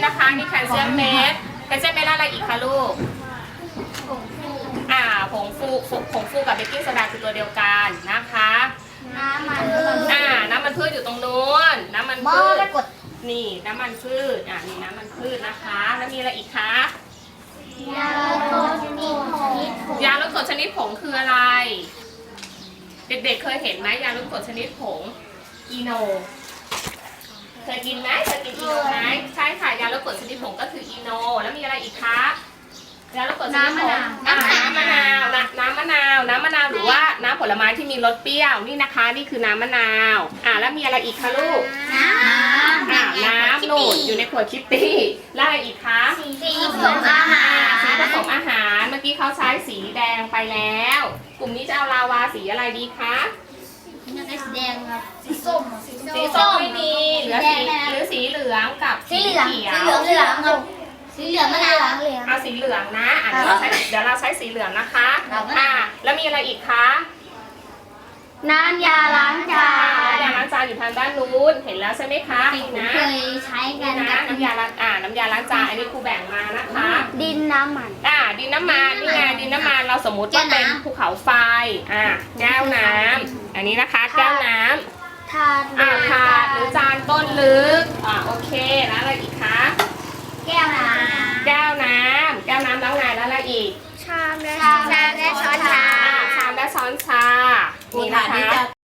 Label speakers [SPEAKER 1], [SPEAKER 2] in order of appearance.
[SPEAKER 1] นะคะนี่แคลเซียมเม็ดแคลเซียมเม็ดอะไรอีกคะลูกผงฟูกับเบกกิ้งโซดาคือตัวเดียวกันนะคะน้ำมันพืชอยู่ตรงนู้นน้ำมันพืชนี่น้ำมันพืชนี่น้ำมันพืชนะคะแล้วมีอะไรอีกคะยาลดกรดชนิดผงคืออะไรเด็กๆเคยเห็นไหมยาลดกรดชนิดผงอีโนเคยกินไหมเคยกินอีโนไหมใช่ค่ะยาลดกรดชนิดผงก็คืออีโนแล้วมีอะไรอีกคะยาลดกรดชนิดผงน้ำมะนาวหรือว่าน้ำผลไม้ที่มีรสเปรี้ยวนี่นะคะนี่คือน้ำมะนาวแล้วมีอะไรอีกคะลูกน้ำนูนอยู่ในขวดคิตตี้แล้วอะไรอีกคะสีผสมอาหารเมื่อกี้เขาใช้สีแดงไปแล้วกลุ่มนี้จะเอาลาวาสีอะไรดีคะ
[SPEAKER 2] สีแดงครับสีส้ม
[SPEAKER 1] ไม่มีหรือสีเหลืองกับสีเขียว
[SPEAKER 2] ครับสีเหลืองมะนาว
[SPEAKER 1] เอาสีเหลืองนะเดี๋ยวเราใช้สีเหลืองนะคะแล้วมีอะไรอีกคะ
[SPEAKER 2] น้ำยาล้างจาน
[SPEAKER 1] อยู่ทางด้านนู้นเห็นแล้วใช่ไหมคะ
[SPEAKER 2] นะเคยใช้กัน
[SPEAKER 1] นะน้ำยาล้างจานอันนี้ครูแบ่งมานะคะ
[SPEAKER 2] ดินน้ำมัน
[SPEAKER 1] ดินน้ำมันนี่ไงดินน้ำมันเราสมมุติว่าเป็นภูเขาไฟแก้วน้ำอันนี้นะคะแก้วน้ำถาดหรือจานก้นลึกโอเคแล้วอะไรอีกคะ
[SPEAKER 2] แก้วน้ำ
[SPEAKER 1] แล้วไงแล้วอะไรอีก
[SPEAKER 2] ชามและช้อนชา
[SPEAKER 1] ชามและช้อนชานี่นะคะ